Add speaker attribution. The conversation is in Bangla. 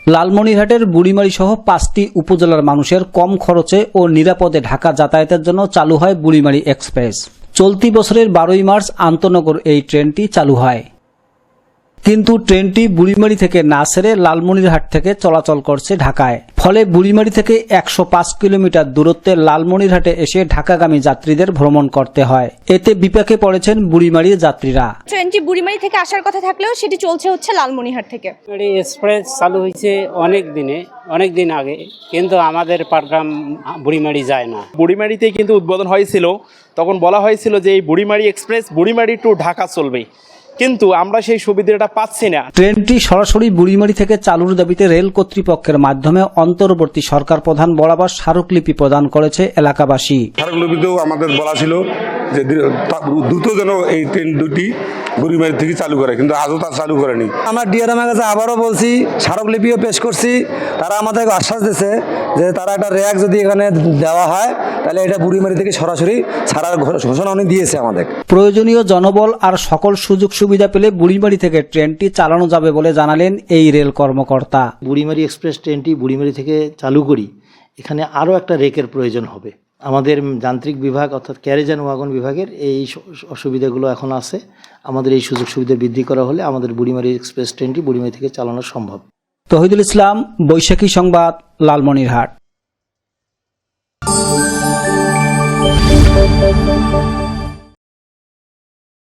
Speaker 1: লালমনিরহাটের বুড়িমারি সহ 5টি উপজেলার মানুষের কম খরচে ও নিরাপদে ঢাকা যাতায়াতের জন্য চালু হয় বুড়িমারি এক্সপ্রেস। চলতি বছরের 12ই মার্চ আন্তনগর এই ট্রেনটি চালু হয়, কিন্তু ট্রেনটি বুড়িমারি থেকে না ছেড়ে লালমনিরহাট থেকে চলাচল করছে ঢাকায়। ফলে বুড়িমারি থেকে 105 কিলোমিটার দূরত্বে লালমনিরহাটে এসে ঢাকাগামী যাত্রীদের ভ্রমণ করতে হয়। এতে বিপাকে পড়েছেন বুড়িমারির যাত্রীরা।
Speaker 2: ট্রেনটি বুড়িমারি থেকে আসার কথা থাকলেও সেটি চলছে হচ্ছে লালমনিরহাট থেকে।
Speaker 3: এক্সপ্রেস চালু হয়েছে অনেক দিন আগে, কিন্তু আমাদের পাটগ্রাম বুড়িমারি যায় না।
Speaker 4: বুড়িমারিতে কিন্তু উদ্বোধন হয়েছিল, তখন বলা হয়েছিল যে এই বুড়িমারি এক্সপ্রেস বুড়িমারি টু ঢাকা চলবে, কিন্তু আমরা সেই সুবিধাটা পাচ্ছি না।
Speaker 1: ট্রেনটি সরাসরি বুড়িমারি থেকে চালুর দাবিতে রেল কর্তৃপক্ষের মাধ্যমে অন্তর্বর্তী সরকার প্রধান বরাবর স্মারকলিপি প্রদান করেছে এলাকাবাসী।
Speaker 5: স্মারকলিপিতেও আমাদের বলা ছিল যে দ্রুত যেন এই ট্রেন দুটি বুড়িমারি থেকে চালু করে, কিন্তু আজও তা চালু করেনি।
Speaker 6: আমরা ডিআরএমের কাছে আবারও বলছি, স্মারকলিপিও পেশ করছি। তারা আমাদেরকে আশ্বাস দিয়েছে যে তারা একটা র্যাক যদি এখানে দেওয়া হয় তাহলে এটা বুড়িমারি থেকে সরাসরি ছাড়ার ঘোষণা উনি দিয়েছে আমাদের।
Speaker 1: প্রয়োজনীয় জনবল আর সকল সুযোগ সুবিধা পেলে বুড়িমারি থেকে ট্রেনটি চালানো যাবে বলে জানালেন এই রেল কর্মকর্তা।
Speaker 7: বুড়িমারি এক্সপ্রেস ট্রেনটি বুড়িমারি থেকে চালু করি, এখানে আরও একটা রেকের প্রয়োজন হবে। আমাদের যান্ত্রিক বিভাগ অর্থাৎ ক্যারেজ অ্যান্ড ওয়াগন বিভাগের এই অসুবিধাগুলো এখন আছে। আমাদের এই সুযোগ সুবিধা বৃদ্ধি করা হলে আমাদের বুড়িমারি এক্সপ্রেস ট্রেনটি বুড়িমারি থেকে চালানো সম্ভব।
Speaker 1: তহিদুল ইসলাম, বৈশাখী সংবাদ, লালমনিরহাট।